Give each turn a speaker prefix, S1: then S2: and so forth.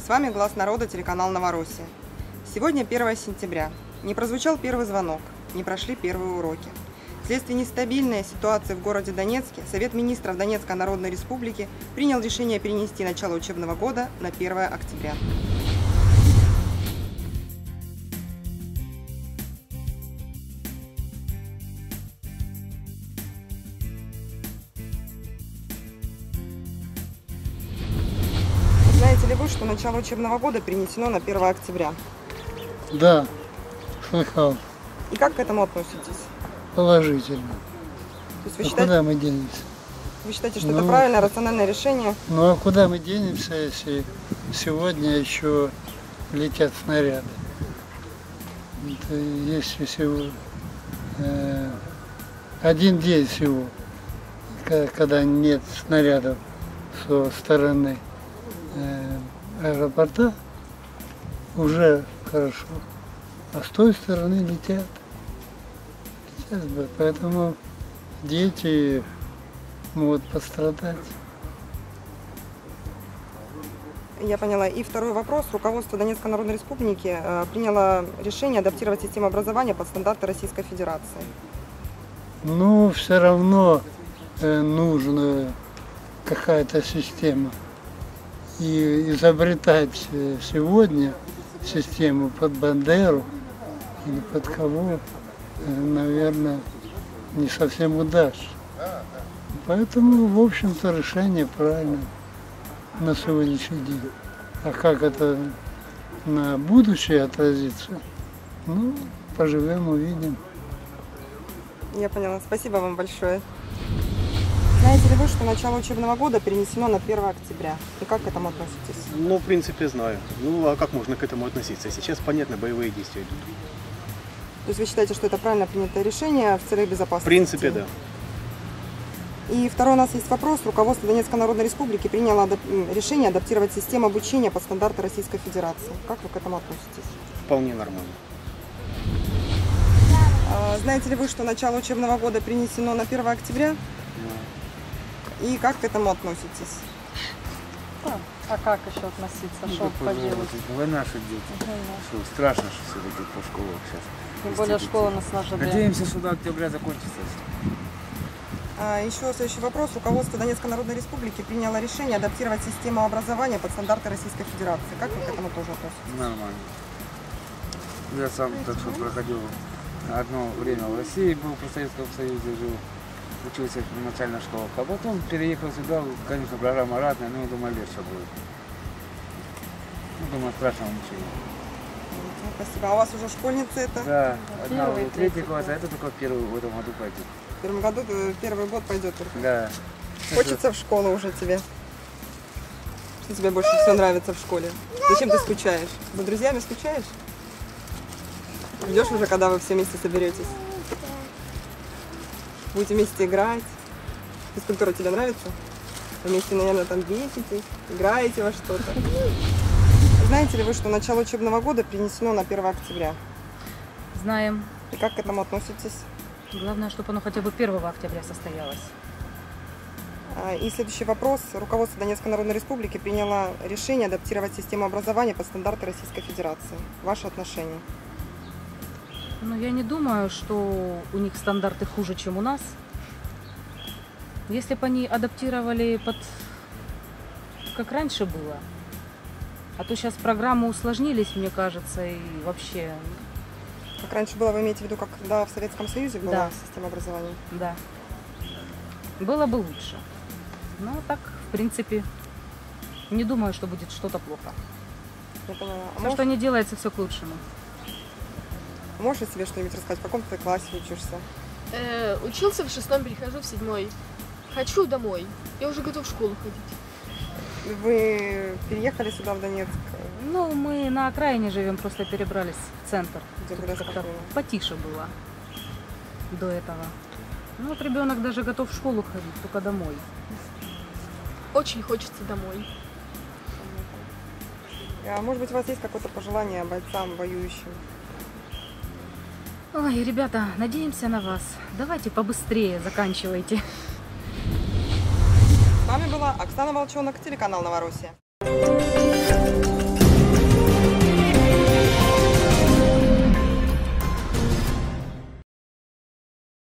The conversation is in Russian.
S1: С вами «Глаз народа», телеканал «Новороссия». Сегодня 1 сентября. Не прозвучал первый звонок, не прошли первые уроки. Вследствие нестабильной ситуации в городе Донецке Совет министров Донецкой Народной Республики принял решение перенести начало учебного года на 1 октября. Знаете ли вы, что начало учебного года перенесено на 1 октября?
S2: Да, слыхал.
S1: И как к этому относитесь?
S2: Положительно.
S1: То есть вы
S2: Куда мы денемся?
S1: Вы считаете, что это правильное, рациональное решение?
S2: Ну а куда мы денемся, если сегодня еще летят снаряды? Это есть всего один день всего, когда нет снарядов со стороны аэропорта, уже хорошо. А с той стороны летят. Поэтому дети могут пострадать.
S1: Я поняла. И второй вопрос. Руководство Донецкой Народной Республики приняло решение адаптировать систему образования под стандарты Российской Федерации.
S2: Ну, все равно нужна какая-то система. И изобретать сегодня систему под Бандеру или под кого, наверное, не совсем удачно. Поэтому, в общем-то, решение правильное на сегодняшний день. А как это на будущее отразится, ну, поживем, увидим.
S1: Я поняла. Спасибо вам большое. Знаете ли вы, что начало учебного года перенесено на 1 октября? И как к этому относитесь?
S3: Ну, в принципе, знаю. Ну, а как можно к этому относиться? Сейчас, понятно, боевые действия идут.
S1: То есть вы считаете, что это правильно принятое решение в целях безопасности?
S3: В принципе, да.
S1: И второй у нас есть вопрос. Руководство Донецкой Народной Республики приняло решение адаптировать систему обучения под стандарты Российской Федерации. Как вы к этому относитесь?
S3: Вполне нормально.
S1: Знаете ли вы, что начало учебного года перенесено на 1 октября? И как к этому относитесь?
S4: А как еще относиться? Что поделать?
S5: Война, что дети. Что, страшно, что все идут по школам сейчас.
S4: Тем более школа нас ожидает.
S5: Надеемся, что до октября закончится.
S1: Еще следующий вопрос. Руководство Донецкой Народной Республики приняло решение адаптировать систему образования под стандарты Российской Федерации. Как вы к этому тоже относитесь?
S5: Нормально. Я сам так что проходил одно время в России, был в Советском Союзе, жил. Учился в начальных школах, а потом переехал сюда, конечно, программа разная, но я думаю, легче будет. Ну, думаю, страшного ничего.
S1: Спасибо. А у вас уже школьницы это?
S5: Да, одна в 3 класс, а это только первый в этом году пойдет.
S1: В первом году, первый год пойдет только?
S5: Да.
S1: Хочется в школу уже тебе? Что тебе больше всего нравится в школе? Зачем ты скучаешь? За друзьями скучаешь? Ждешь уже, когда вы все вместе соберетесь? Будете вместе играть. Физкультура тебе нравится? Вместе, наверное, там беситесь, играете во что-то. Знаете ли вы, что начало учебного года перенесено на 1 октября?
S4: Знаем.
S1: И как к этому относитесь?
S4: Главное, чтобы оно хотя бы 1 октября состоялось.
S1: И следующий вопрос. Руководство Донецкой Народной Республики приняло решение адаптировать систему образования под стандарты Российской Федерации. Ваши отношения?
S4: Но я не думаю, что у них стандарты хуже, чем у нас. Если бы они адаптировали под как раньше было, а то сейчас программы усложнились, мне кажется, и вообще...
S1: Как раньше было, вы имеете в виду, как когда в Советском Союзе была
S4: Да.
S1: система образования?
S4: Да. Было бы лучше. Но так, в принципе, не думаю, что будет что-то плохо.
S1: Я поняла.
S4: Все, что не делается, все к лучшему.
S1: Можешь о себе что-нибудь рассказать? В каком ты классе учишься?
S6: Учился в 6, перехожу в 7. Хочу домой. Я уже готов в школу ходить.
S1: Вы переехали сюда, в Донецк?
S4: Ну, мы на окраине живем, просто перебрались в центр.
S1: Где
S4: Тут
S1: более
S4: как-то
S1: спокойно.
S4: потише было до этого. Ну, вот ребенок даже готов в школу ходить, только домой.
S6: Очень хочется домой.
S1: А может быть, у вас есть какое-то пожелание бойцам, воюющим?
S4: Ой, ребята, надеемся на вас. Давайте побыстрее заканчивайте.
S1: С вами была Оксана Волчонок, телеканал Новороссия.